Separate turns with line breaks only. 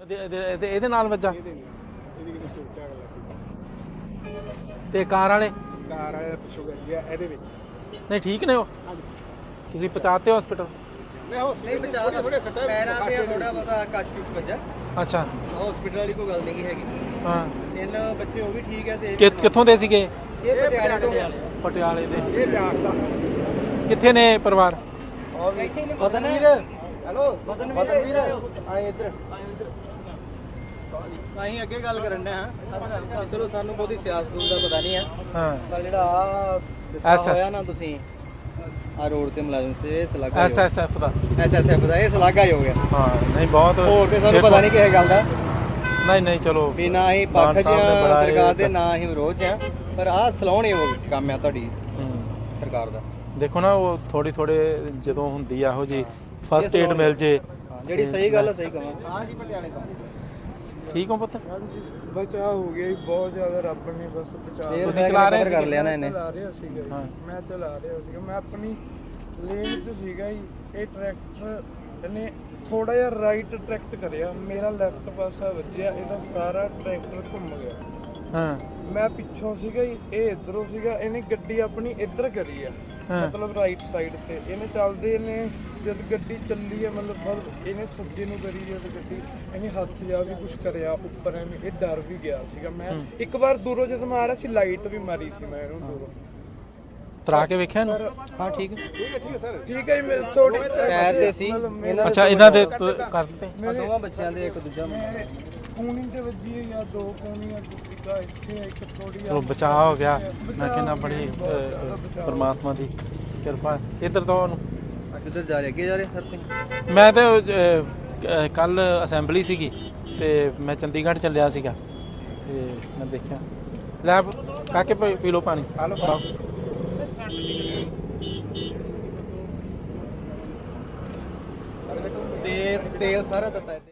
ਇਹਦੇ ਨਾਲ ਵੱਜਾ ਤੇ ਕਾਰ ਵਾਲੇ
ਪਿੱਛੋਂ ਗਿਆ ਇਹਦੇ ਵਿੱਚ।
ਨਹੀਂ ਠੀਕ ਨੇ ਉਹ, ਤੁਸੀਂ ਪਹੁੰਚਾਤੇ ਹਸਪੀਟਲ?
ਨਹੀਂ ਬਚਾ ਥੋੜੇ ਸੱਟਾਂ ਪੈਰਾਂ ਤੇ ਥੋੜਾ ਬਹੁਤਾ ਕੱਚ ਕੁਚ ਵੱਜਾ।
ਅੱਛਾ
ਹਸਪੀਟਲ ਵਾਲੀ ਕੋਈ ਗੱਲ ਨਹੀਂ ਹੈਗੀ।
ਹਾਂ
ਤਿੰਨ ਬੱਚੇ ਉਹ ਵੀ ਠੀਕ ਹੈ ਤੇ
ਕਿੱਥੋਂ ਦੇ ਸੀਗੇ?
ਇਹ ਪਟਿਆਲੇ ਤੋਂ
ਪਟਿਆਲੇ ਦੇ।
ਇਹ ਬਿਆਸ ਦਾ।
ਕਿੱਥੇ ਨੇ ਪਰਿਵਾਰ?
ਬਦਨਵੀਰ ਹੈਲੋ ਬਦਨਵੀਰ ਆਏ ਇੱਧਰ। ਅਸੀਂ ਅੱਗੇ ਗੱਲ ਕਰਨ ਦੇ ਹਾਂ। ਚਲੋ ਸਾਨੂੰ ਬਹੁਤੀ ਸਿਆਸਤ ਦਾ ਪਤਾ ਨਹੀਂ ਹੈ।
ਹਾਂ
ਪਰ ਜਿਹੜਾ ਹੋਇਆ ਨਾ ਤੁਸੀਂ ਆ ਰੋਡ ਤੇ ਮੁਲਾਜ਼ਮ ਤੇ ਇਹ ਸਲਾਗਾ
ਐਸਐਸਐਫ ਦਾ
ਇਹ ਸਲਾਗਾ ਹੀ ਹੋ ਗਿਆ।
ਹਾਂ ਨਹੀਂ ਬਹੁਤ
ਹੋਰ ਤੇ ਸਾਨੂੰ ਪਤਾ ਨਹੀਂ ਕਿਸੇ ਗੱਲ ਦਾ।
ਨਹੀਂ ਚਲੋ
ਵੀ ਨਾ ਹੀ ਪੱਖ ਚ ਸਰਕਾਰ ਦੇ ਨਾ ਹੀ ਵਿਰੋਧ ਚ ਆ, ਪਰ ਆਹ ਸਲਾਉਣੇ ਉਹ ਕੰਮ ਆ ਤੁਹਾਡੀ ਸਰਕਾਰ ਦਾ।
ਦੇਖੋ ਨਾ ਉਹ ਥੋੜੇ ਜਦੋਂ ਹੁੰਦੀ ਆ ਇਹੋ ਜੀ ਫਸਟ ਏਡ ਮਿਲ ਜੇ
ਜਿਹੜੀ ਸਹੀ ਗੱਲ ਹੈ ਸਹੀ ਕਹਾਂ। ਹਾਂ ਜੀ ਪਟਿਆਲੇ ਤੋਂ
ਠੀਕ ਹੋ ਪੁੱਤ?
ਬਚਾ ਹੋ ਗਿਆ ਜੀ ਬਹੁਤ ਜ਼ਿਆਦਾ, ਰੱਬ ਨੇ ਬਸ ਬਚਾ।
ਤੁਸੀਂ ਚਲਾ ਰਹੇ
ਕਰ ਲਿਆ ਨਾ ਇਹਨੇ?
ਚਲਾ ਰਿਹਾ ਸੀਗਾ ਜੀ। ਮੈਂ ਚਲਾ ਰਿਹਾ ਸੀਗਾ, ਮੈਂ ਆਪਣੀ ਲੇਨ 'ਚ ਸੀਗਾ ਜੀ। ਇਹ ਟਰੈਕਟਰ ਨੇ ਥੋੜਾ ਜਿਹਾ ਰਾਈਟ ਟਰੈਕਟ ਕਰਿਆ, ਮੇਰਾ ਲੈਫਟ ਪਾਸਾ ਵੱਜਿਆ, ਇਹਦਾ ਸਾਰਾ ਟਰੈਕਟਰ ਘੁੰਮ ਗਿਆ।
ਹਾਂ
ਮੈਂ ਪਿੱਛੋਂ ਸੀਗਾ ਜੀ, ਇਹ ਇਧਰੋਂ ਸੀਗਾ। ਇਹਨੇ ਗੱਡੀ ਆਪਣੀ ਇੱਧਰ ਕਰੀ ਆ, ਮਤਲਬ ਰਾਈਟ ਸਾਈਡ ਤੇ। ਇਹਨੇ ਚੱਲਦੇ ਨੇ ਜਦ ਗੱਡੀ ਚੱਲੀ ਆ, ਮਤਲਬ ਇਹਨੇ ਸੱਜੇ ਨੂੰ ਕਰੀ ਜਦ ਗੱਡੀ, ਇਹਨੇ ਹੱਥ ਜਾ ਵੀ ਕੁਝ ਕਰਿਆ ਉੱਪਰ, ਐਵੇਂ ਇਹ ਡਰ ਵੀ ਗਿਆ ਸੀਗਾ। ਮੈਂ ਇੱਕ ਵਾਰ ਦੂਰੋਂ ਜਦੋਂ ਮੈਂ ਆ ਰਿਹਾ ਸੀ, ਲਾਈਟ ਵੀ ਮਾਰੀ ਸੀ ਮੈਂ ਇਹਨੂੰ ਦੂਰੋਂ
ਤਰਾ ਕੇ ਵੇਖਿਆ ਨਾ?
ਹਾਂ ਠੀਕ ਹੈ ਸਰ।
ਠੀਕ ਹੈ ਜੀ। ਮੇਰੇ ਥੋੜੀ
ਪੈਰ ਤੇ ਸੀ
ਅੱਛਾ ਇਹਨਾਂ ਦੇ ਕਰ ਦਿੱਤੇ
ਦੋਵਾਂ ਬੱਚਿਆਂ ਦੇ, ਇੱਕ ਦੂਜਾ
ਕੂਣੀ ਤੇ ਵੱਜੀ ਹੈ ਜਾਂ ਦੋ ਕੂਣੀਆਂ, ਇੱਕ ਇੱਥੇ ਇੱਕ ਥੋੜੀ
ਉਹ ਬਚਾਅ ਹੋ ਗਿਆ। ਮੈਂ ਕਹਿੰਦਾ ਬੜੀ ਪਰਮਾਤਮਾ ਦੀ ਕਿਰਪਾ। ਇੱਧਰ ਤੋਂ ਉਹਨੂੰ
ਕਿੱਧਰ ਜਾ ਰਹੇ? ਅੱਗੇ ਜਾ ਰਹੇ ਸਰ ਤੁਸੀਂ?
ਮੈਂ ਤਾਂ ਕੱਲ ਅਸੈਂਬਲੀ ਸੀਗੀ ਤੇ ਮੈਂ ਚੰਡੀਗੜ੍ਹ ਚੱਲਿਆ ਸੀਗਾ ਤੇ ਮੈਂ ਦੇਖਿਆ। ਲੈ ਕਾਕੇ ਪੀ ਲਓ ਪਾਣੀ।
ਤੇਲ ਸਾਰਾ ਦਿੱਤਾ